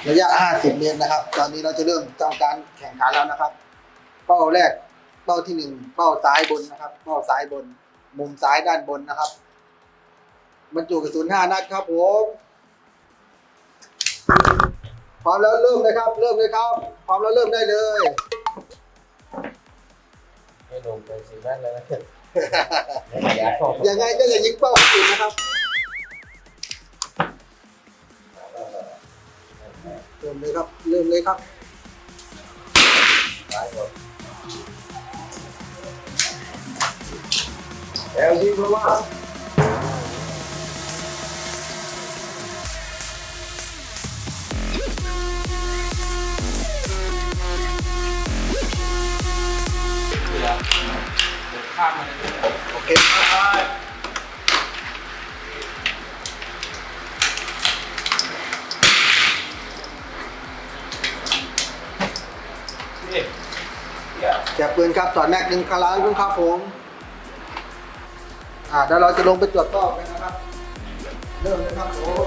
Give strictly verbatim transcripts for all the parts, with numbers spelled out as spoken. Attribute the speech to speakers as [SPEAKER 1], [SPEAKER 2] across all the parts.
[SPEAKER 1] ระยะห้าสิบเมตรนะครับตอนนี้เราจะเริ่มทำการแข่งขันแล้วนะครับเป้าแรกเป้าที่หนึ่งเป้าซ้ายบนนะครับเป้าซ้ายบนมุมซ้ายด้านบนนะครับบรรจุกระสุนห้านัดครับผมพร้อมแล้วเริ่มเลยครับเริ่มเลยครับพร้อมแล้วเริ่มได้เลย
[SPEAKER 2] ไม่ลงไปสี่นัดแล้วนะ
[SPEAKER 1] ยังไงก็อย่ายิงเป้าอื่นนะครับเริ่มเลยครับเริ่มเลยครับ
[SPEAKER 2] แล้วยิงเพราะว่า
[SPEAKER 1] โอเคครับแจกปืนครับถอดแม็กหนึ่งคาราลุงครับผมอ่าเดี๋ยวเราจะลงไปตรวจรอบกันนะครับเริ่มเลยครับผม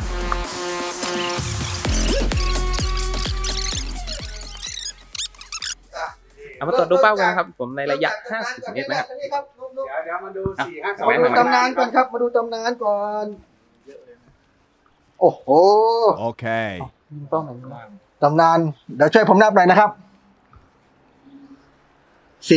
[SPEAKER 3] เอามาตรวจดูเป้ากันนะครับผมในระยะห้าสิบเมตรนะครับ
[SPEAKER 2] เดี๋ยวเดี๋ยวมาดูสี่ห้าสอง
[SPEAKER 1] มาดูตำนานก่อนครับมาดูตำนานก่อนโอ้โห
[SPEAKER 4] Okay.
[SPEAKER 3] เป้าไหน
[SPEAKER 1] ตำนานเดี๋ยวช่วยผมนับหน่อยนะครับสิบ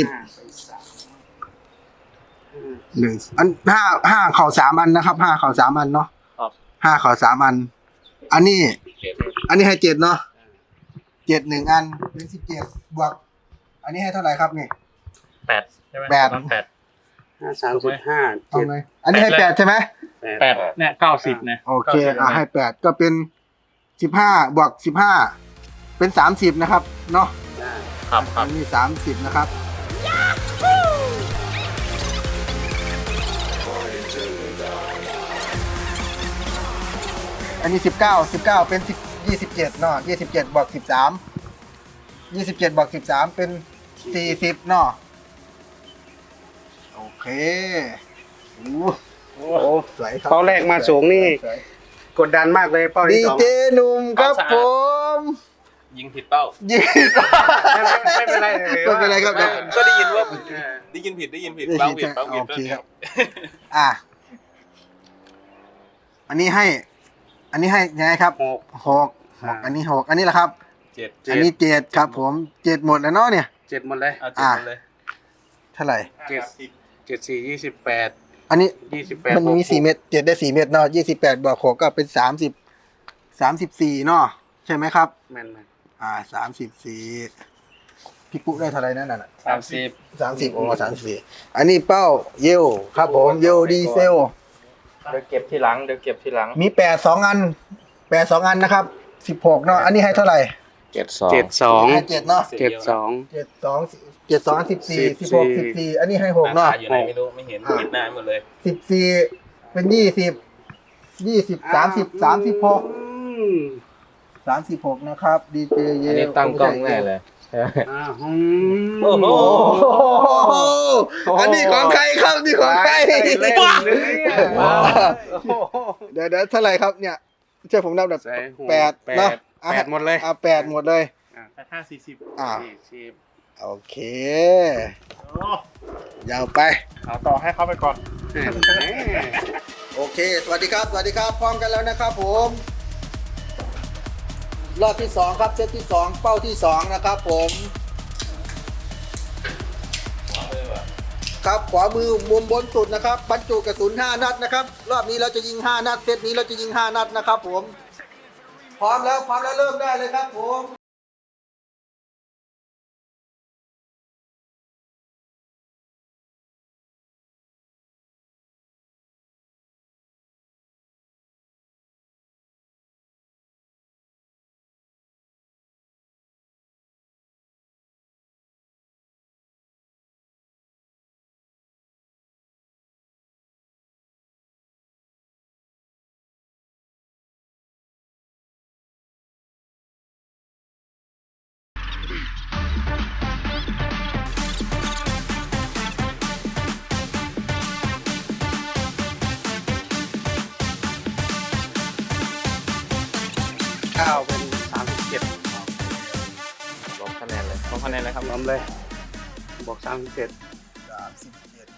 [SPEAKER 1] หนึ่งอันห้าห้าเข่าสามอันนะครับห้าเข่าสามอันเนาะห้าเข่าสามอัน อันนี้ อันนี้ให้เจ็ดเนาะเจ็ดหนึ่งอันเป็นสิบเจ็ดบวกอันนี้ให้เท่าไหร่ครับนี่
[SPEAKER 3] แปดใช่ไหม
[SPEAKER 1] แปด
[SPEAKER 3] แปด
[SPEAKER 2] ห้าสามสิบห้า
[SPEAKER 1] เอา
[SPEAKER 2] เจ็ด
[SPEAKER 1] ไงอันนี้ให้แปดใช่ไหม
[SPEAKER 3] แปดเนี่ยเก้าสิบเนี่ย
[SPEAKER 1] โอเคอ่ะให้แปดก็เป็นสิบห้าบวกสิบห้าเป็นสามสิบนะครับเนาะ
[SPEAKER 3] ครับครั
[SPEAKER 1] อั
[SPEAKER 3] บ
[SPEAKER 1] นนี้สามสิบนะครับอันนี้สิบเก้าสิบเก้าเป็นสิบยี่สิบเจ็ดเนาะยี่สิบเจ็ดบวกสิบสามยี่สิบเจ็ดบวกสิบสามเป็นสี่สิบเนาะโอเคโอ้โหสวยครับ
[SPEAKER 2] เป้าแรกมาสูงนี่
[SPEAKER 1] สวย
[SPEAKER 2] กดดันมากเลยเป้า
[SPEAKER 1] ดี
[SPEAKER 2] ที่สอง
[SPEAKER 1] เจหนุ่มครับผม
[SPEAKER 3] ยิงผิดเป้า
[SPEAKER 1] ยิง
[SPEAKER 2] ไม่ไม่เป็นไร
[SPEAKER 1] ไม่เป็นไรครับ
[SPEAKER 3] ก็ได้ยินว่าได้ยินผิดได้ยินผิด
[SPEAKER 1] ได้
[SPEAKER 3] เป้า
[SPEAKER 1] ยิน
[SPEAKER 3] ผิดเป้าผิด
[SPEAKER 1] โอเคครับ อ่ะอันนี้ให้ อันนี้ให้ยังไงครับ
[SPEAKER 2] หก
[SPEAKER 1] หกหกอันนี้หกอันนี้แหละครับ
[SPEAKER 3] เจ็ด
[SPEAKER 1] อันนี้เจ็ดครับผมเจ็ดหมดแล้วเนาะเนี่ย
[SPEAKER 2] เจ็ดหมดเลย
[SPEAKER 3] เอาเจ็ดหมดเลย
[SPEAKER 1] เท่าไหร่
[SPEAKER 2] เจ็ดเจ็ดสี่ยี่สิบแปด
[SPEAKER 1] อันนี้
[SPEAKER 2] ยี่สิบแปด
[SPEAKER 1] มันมีสี่เม็ดเจ็ดได้สี่เม็ดเนาะยี่สิบแปดบวกหกก็เป็นสามสิบสามสิบสี่เนาะใช่ไหมครับ
[SPEAKER 2] แม่นแม่น
[SPEAKER 1] อ่าสามสิบสี่พี่ปุ๊ได้เท่าไหร่นั่นน่ะ
[SPEAKER 3] สามสิบ
[SPEAKER 1] สามสิบโอ้สามสิบสี่อันนี้เป้าเยลครับผมเยลดีเซล
[SPEAKER 3] เดี๋ยวเก็บทีหลังเดี๋ยวเก็บทีหลัง
[SPEAKER 1] มีแปดสองอันแปดสองอันนะครับสิบหกเนาะอันนี้ให้เท่าไหร่
[SPEAKER 3] เจ็ดสอง
[SPEAKER 2] เจ็ดสอง
[SPEAKER 1] ให้เจ็ดเนาะ
[SPEAKER 2] เจ็ดสอง
[SPEAKER 1] เจ็ดสองเจ็ดสองสิบสี่สิบหกสิบสี่อันนี้ให้หก
[SPEAKER 3] ห
[SPEAKER 1] เนาะ
[SPEAKER 3] น้าอยู่ไหนไม่รู้ไม่เห็นปิดหน้าหมดเลย
[SPEAKER 1] สิบสี่เป็นยี่สิบยี่สิบสามสิบสามสิบหกสามสิบหกนะครับดีเจเย
[SPEAKER 3] อันนี้ตั้งกล้องแน่เลย
[SPEAKER 2] อ่าอืม
[SPEAKER 3] โอ้โห
[SPEAKER 1] โอ้โหอันนี้ของใครครับนี่ของใคร
[SPEAKER 2] เล่นเลยอะ
[SPEAKER 1] ว้าวเดี๋ยวเดี๋ยวเท่าไหร่ครับเนี่ยเชื่อผมนับแบบ
[SPEAKER 2] ใส่หัว
[SPEAKER 1] แปด
[SPEAKER 2] แป
[SPEAKER 1] เนาะ
[SPEAKER 2] ดแปดหมดเลย
[SPEAKER 1] อ่ะแปดหมดเลย
[SPEAKER 2] แปดห้าสี่สิบ
[SPEAKER 1] อ่า
[SPEAKER 2] สี่สิบ
[SPEAKER 1] โอเคยาวไป
[SPEAKER 2] เอาต่อให้เขาไปก่อน
[SPEAKER 1] โอเคสวัสดีครับสวัสดีครับพร้อมกันแล้วนะครับผมรอบที่สองครับเซตที่สองเป้าที่สองนะครับผมครับขวามือมุมบนสุดนะครับบรรจุกระสุนห้านัดนะครับรอบนี้เราจะยิงห้านัดเซตนี้เราจะยิงห้านัดนะครับผมพร้อมแล้วพร้อมแล้วเริ่มได้เลยครับผม
[SPEAKER 3] นนเลยครับ
[SPEAKER 4] พร้อมเลยบอกสามสิบเจ็ด
[SPEAKER 1] สามสิบเจ็ด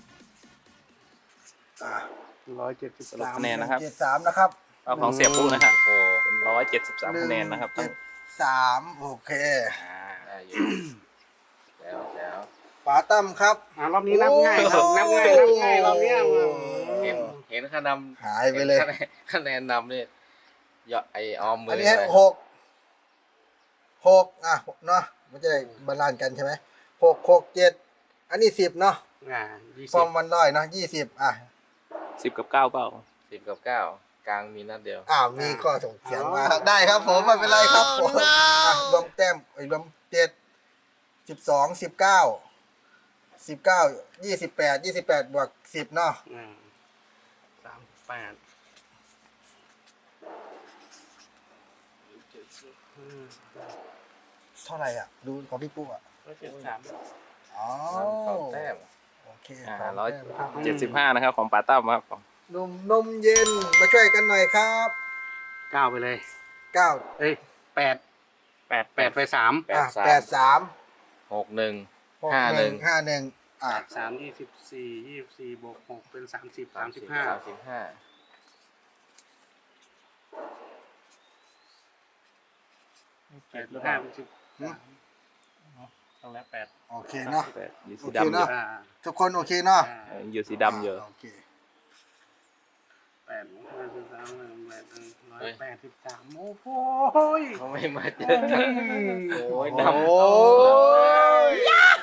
[SPEAKER 1] อ่า
[SPEAKER 4] ร้อยเจ็ดสิบ
[SPEAKER 3] สรุป
[SPEAKER 4] สาม
[SPEAKER 3] คะแนนนะครับ
[SPEAKER 1] เจ็ดสามนะครับ
[SPEAKER 3] เอาของเสียปุ๊กนะฮะโอ้เป็นร้อยเจ็ดสิบสามคะแนนนะครับ
[SPEAKER 1] เจ็ดสามโอเค
[SPEAKER 3] อ่า
[SPEAKER 5] ได้อยู่แล้วแล้ว
[SPEAKER 1] ป๋าตั้มครับ
[SPEAKER 4] อ่ารอบนี้นับง่ายครับนับง่ายนับง่ายรอบเนี้ย
[SPEAKER 5] เห็นเห็นคะแนน
[SPEAKER 1] หายไปเลย
[SPEAKER 5] ห็นคะแนนคะแนนนำนี่ยอดไอออมมื
[SPEAKER 1] อัน
[SPEAKER 5] อ
[SPEAKER 1] นี้ให้
[SPEAKER 5] เลย
[SPEAKER 1] หกหกอ่ะเนาะมันจะได้บาลานซ์กันใช่ไหมหกหกเจ็ดอันนี้สิบเนาะ
[SPEAKER 4] อ่ายี่
[SPEAKER 1] ฟ
[SPEAKER 4] สิ
[SPEAKER 1] อบ ร์มวันร้อยเนาะยี่สิบอ่ะ
[SPEAKER 3] สิบกับเก้าเปล่า
[SPEAKER 5] สิบกับเก้ากลางมีนัดเดียว
[SPEAKER 1] อ้าวมีข้อส่งเสียงมาได้ครับผมไม่เป็นไรครับผมอ่ะรวมแต้มไอ้ยรวมเจ็ดสิบสองสิบเก้าสิบเก้ายี่สิบแปดยี่สิบแปดบวกสิบเนาะ
[SPEAKER 4] อ่าสามแปดเจ็ดสิบห้า
[SPEAKER 1] เท่าไหร่อ่ะดูของพี่ปุ๊อ่ะ
[SPEAKER 4] ร้อยเจ็ดสิบสาม
[SPEAKER 1] อ๋อ
[SPEAKER 5] สองแต้ม
[SPEAKER 1] โอเค
[SPEAKER 3] อ่า
[SPEAKER 1] สง
[SPEAKER 3] ร้อย
[SPEAKER 1] แต้มครับ
[SPEAKER 3] เจ็ดสิบห้านะครับของปาตั้มครับ
[SPEAKER 1] นมนมเย็นมาช่วยกันหน่อยครับ
[SPEAKER 4] เก้าไปเลย
[SPEAKER 1] เก้า
[SPEAKER 4] เอ้ยแปดแปดแปดไปสาม
[SPEAKER 5] แป
[SPEAKER 1] อ่ะ
[SPEAKER 5] ดสาม
[SPEAKER 1] แปดสาม
[SPEAKER 5] หกหนึ่ง
[SPEAKER 1] หก
[SPEAKER 5] ห้า
[SPEAKER 1] ห
[SPEAKER 5] หนึ่
[SPEAKER 1] นึ่ง
[SPEAKER 5] ง
[SPEAKER 1] ห้าหนึ่งอ่ะ
[SPEAKER 4] แปดสามยี่สิบสี่ยี่สิบสี่บวกหกเป็นสามสิบสามสิบห้า
[SPEAKER 5] สามสิบห้า
[SPEAKER 4] แปดลบห้าเป็นสิบ
[SPEAKER 2] ต้องแล้วแปด
[SPEAKER 1] โอเคเนาะ
[SPEAKER 3] แปดอยู่สี
[SPEAKER 1] โอเค
[SPEAKER 3] ดำอ
[SPEAKER 1] เน
[SPEAKER 3] ยู่
[SPEAKER 1] อะ
[SPEAKER 4] อ่า
[SPEAKER 1] ทุกคนโอเคเนาะ
[SPEAKER 4] อ่า
[SPEAKER 3] เอออยู่สีดำอยู่
[SPEAKER 1] โอเค
[SPEAKER 4] แปดลบห้าสิบสามแปดร้อยแปดสิบสามโอ้โห
[SPEAKER 5] เขาไม่มาเจอกันโอ้ยดำ
[SPEAKER 1] โอ้ย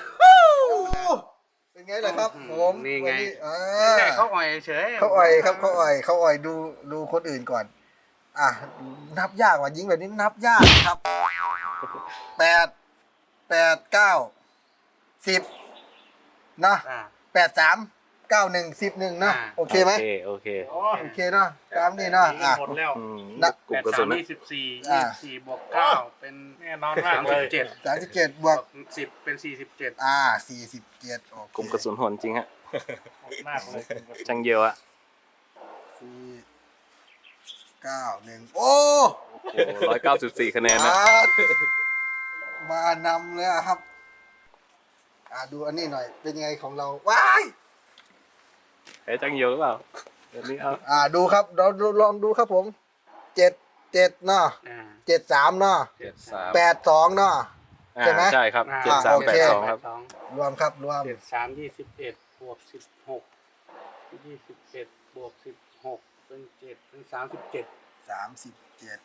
[SPEAKER 1] เป็นไงล่ะครับผม
[SPEAKER 4] นี่ไง
[SPEAKER 1] วัอ่
[SPEAKER 4] แม่
[SPEAKER 1] า
[SPEAKER 4] เขาอ่อยเฉย
[SPEAKER 1] เขาอ่อยครับเขาอ่อยเขาอ่อยดูดูคนอื่นก่อน อ่ะนับยากว่ะยิงแบบนี้นับยากครับแปดแปดเก้าสิบนะ
[SPEAKER 4] อ่า
[SPEAKER 1] แปดสามเก้าหนึ่งสิบหนึ่งนะ
[SPEAKER 4] อ่า
[SPEAKER 1] โอเคไหม
[SPEAKER 3] โอเคโอเค
[SPEAKER 2] โอ้
[SPEAKER 1] โอเคเนาะตามนี้เนาะอ่ะ
[SPEAKER 2] หมดแล้ว
[SPEAKER 3] อืม
[SPEAKER 1] นะ
[SPEAKER 3] กลุ่
[SPEAKER 4] แป
[SPEAKER 3] ม
[SPEAKER 4] ด
[SPEAKER 3] กระสุ
[SPEAKER 4] สาน ม
[SPEAKER 3] นะ
[SPEAKER 4] ยี่สิบสี่
[SPEAKER 1] อ่า
[SPEAKER 4] ยี่สิบสี่บวกเก้าเป็น
[SPEAKER 2] แน่นอนมา
[SPEAKER 4] สาก ม
[SPEAKER 2] เล
[SPEAKER 4] สิบ
[SPEAKER 2] ย
[SPEAKER 4] เจ็ด
[SPEAKER 1] สามสิบเจ็ดบบ ว
[SPEAKER 4] ว
[SPEAKER 1] ก
[SPEAKER 4] กสิบเป็นสี่สิบเจ็ด
[SPEAKER 1] อ่าสี่สิบเจ็ดโอเค
[SPEAKER 3] กลุ่มกระสุนโหดจริงฮะ
[SPEAKER 2] หมดมากเลย
[SPEAKER 3] จังเยียวอะ
[SPEAKER 1] สี่เก้าหนึ่งโอ้
[SPEAKER 3] โอ้ร้อยเก้าสิบสี่คะแนนนะ
[SPEAKER 1] มานำเลยอะครับ อ่าดูอันนี้หน่อย เป็นยังไงของเรา ว้าย
[SPEAKER 3] แพ้จังเยียวหรือเปล่าเดี๋ยวนี้เอา
[SPEAKER 1] อ่าดูครับเราลองดูครับผมเจ็ดเจ็ดเนาะ
[SPEAKER 4] อ่า
[SPEAKER 1] เจ็ดสามเนาะ
[SPEAKER 5] เจ็ดสาม
[SPEAKER 1] แปดสองเนาะ
[SPEAKER 3] อ่า
[SPEAKER 1] ใช่ไหม
[SPEAKER 3] ใช่ครับ
[SPEAKER 4] อ่า
[SPEAKER 3] เจ็ดสาม
[SPEAKER 1] โอ
[SPEAKER 3] แป
[SPEAKER 1] เค
[SPEAKER 3] ดสองครับ
[SPEAKER 4] สอง
[SPEAKER 1] รวมครับรวม
[SPEAKER 4] เจ็ดสามยี่สิบเอ็ดบวกสิบหกยี่สิบเอ็ดบวกสิบหกเป็นเจ็ดเป็นสามสิบเจ็ด
[SPEAKER 1] สามสิบเจ็ด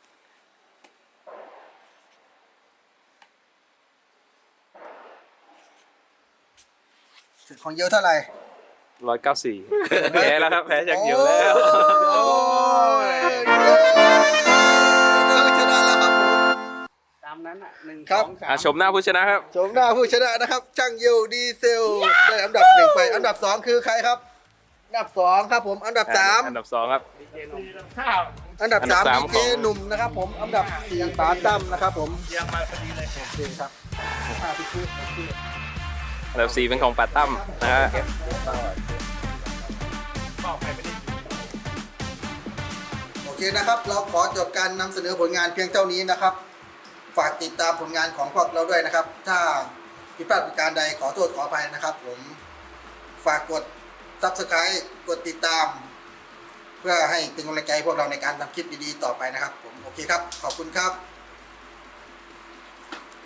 [SPEAKER 1] ของเยอะเท่าไหร่
[SPEAKER 3] ร้อยเก้าสี่แพ้แล้วครับแพ้จังเยียวแล้ว
[SPEAKER 1] โอ้ยเราชนะแล้วครับผม
[SPEAKER 4] ตามนั้นอ่ะหนึ่ง
[SPEAKER 1] ครั
[SPEAKER 4] ส
[SPEAKER 1] บ
[SPEAKER 4] องสา
[SPEAKER 3] อ่ะ
[SPEAKER 4] ม
[SPEAKER 3] ชมหน้าผู้ชนะครับ
[SPEAKER 1] ชมหน้าผู้ชนะนะครับช่างเยิวดีเซลได้อันดับหนึ่งไป อันดับสองคือใครครับ อันดับสองครับผม อันดับสาม
[SPEAKER 3] อันดับสองครับ
[SPEAKER 4] ดีเจหนุ่ม
[SPEAKER 2] ข้าว
[SPEAKER 1] อันดับสาม
[SPEAKER 3] อันดับสาม
[SPEAKER 1] ดีเจ
[SPEAKER 3] ของ
[SPEAKER 1] หนุ่มนะครับผม อันดับสี่ปาตั้มนะครับผม
[SPEAKER 2] ยังมาพอดีเลย
[SPEAKER 1] โอเคครับห้าพี่คือโอเค
[SPEAKER 3] อันดับสี่เป็นของปาตั้มนะฮะ
[SPEAKER 2] ก็ไปไม่ได้
[SPEAKER 1] โอเคนะครับ เราขอจบการนำเสนอผลงานเพียงเท่านี้นะครับ ฝากติดตามผลงานของพวกเราด้วยนะครับ ถ้าผิดพลาดประการใดขอโทษขออภัยนะครับ ผมฝากกด ซับสไครบ์ กดติดตาม เพื่อให้เป็นกำลังใจให้พวกเราในการทำคลิปดีๆต่อไปนะครับผมโอเคครับขอบคุณครับ